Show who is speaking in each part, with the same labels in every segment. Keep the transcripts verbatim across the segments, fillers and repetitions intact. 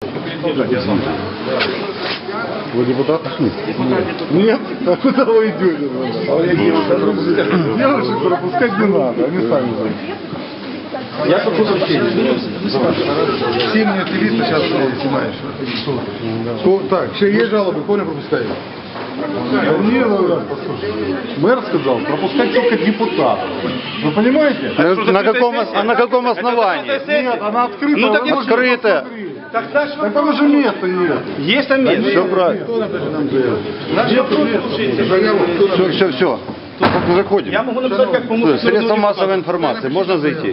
Speaker 1: Вы депутат? Нет? А куда вы идете? Девушек пропускать не надо, они сами знают.
Speaker 2: Я прошу прощения.
Speaker 1: Все мне активисты сейчас снимаешь. Что? Так, еще есть жалобы, Коля пропускает. Не, ну, мэр сказал, пропускать только депутатов. Вы понимаете?
Speaker 3: А на каком, а на каком основании?
Speaker 1: Нет, она открыта.
Speaker 3: Ну так открыто.
Speaker 1: Так там уже места нет.
Speaker 2: Есть там место.
Speaker 3: Все правильно. Все, все, все. Заходим.
Speaker 2: Я могу написать, как помочь.
Speaker 3: Средства массовой информации. Можно зайти?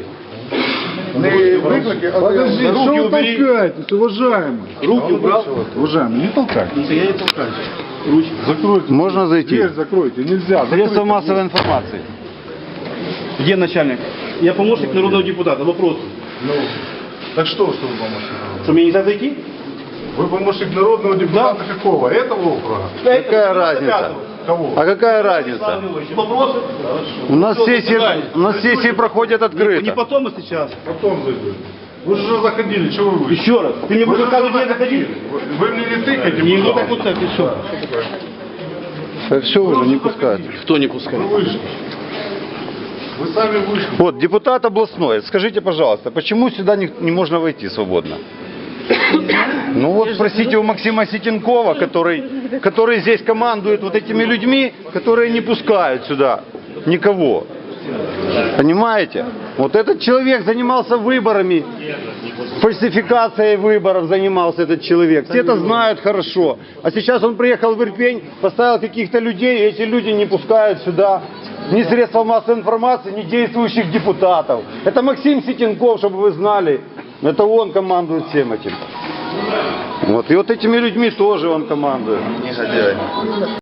Speaker 1: Подожди, что вы толкаетесь, уважаемый?
Speaker 2: Руки убрал.
Speaker 1: Уважаемый, не толкайтесь.
Speaker 2: Я не толкаюсь.
Speaker 1: Ручки. Закройте.
Speaker 3: Можно зайти?
Speaker 1: Дверь закройте, нельзя.
Speaker 3: Средства массовой информации.
Speaker 2: Где начальник? Я помощник народного депутата. Вопрос.
Speaker 1: Ну, так что, что вы помощник?
Speaker 2: Что, мне нельзя зайти?
Speaker 1: Вы помощник народного депутата какого? Этого округа?
Speaker 3: Какая разница?
Speaker 1: Кого?
Speaker 3: А какая разница?
Speaker 2: Вопросы?
Speaker 3: У нас сессии, у нас сессии проходят
Speaker 2: Не
Speaker 3: открыто.
Speaker 2: потом, а сейчас.
Speaker 1: Потом зайдете. Вы же уже заходили, что вы вышли?
Speaker 2: Еще раз. Ты мне
Speaker 1: Вы
Speaker 2: будешь
Speaker 1: же
Speaker 2: каждый
Speaker 1: уже
Speaker 2: день заходить?
Speaker 1: заходили. Вы мне не тыкайте,
Speaker 2: Не, ну так
Speaker 1: пожалуйста.
Speaker 2: вот так, и все.
Speaker 3: Так все уже не пускают.
Speaker 2: Кто не пускает?
Speaker 1: Вы вышли. Вы сами вышли.
Speaker 3: Вот, депутат областной, скажите, пожалуйста, почему сюда не, не можно войти свободно? Ну вот спросите у Максима Ситенкова, который, который здесь командует вот этими людьми, которые не пускают сюда никого. Понимаете? Вот этот человек занимался выборами, фальсификацией выборов занимался этот человек. Все это знают хорошо. А сейчас он приехал в Ирпень, поставил каких-то людей, и эти люди не пускают сюда ни средства массовой информации, ни действующих депутатов. Это Максим Ситенков, чтобы вы знали. Это он командует всем этим. Вот. И вот этими людьми тоже он командует. Негодяй.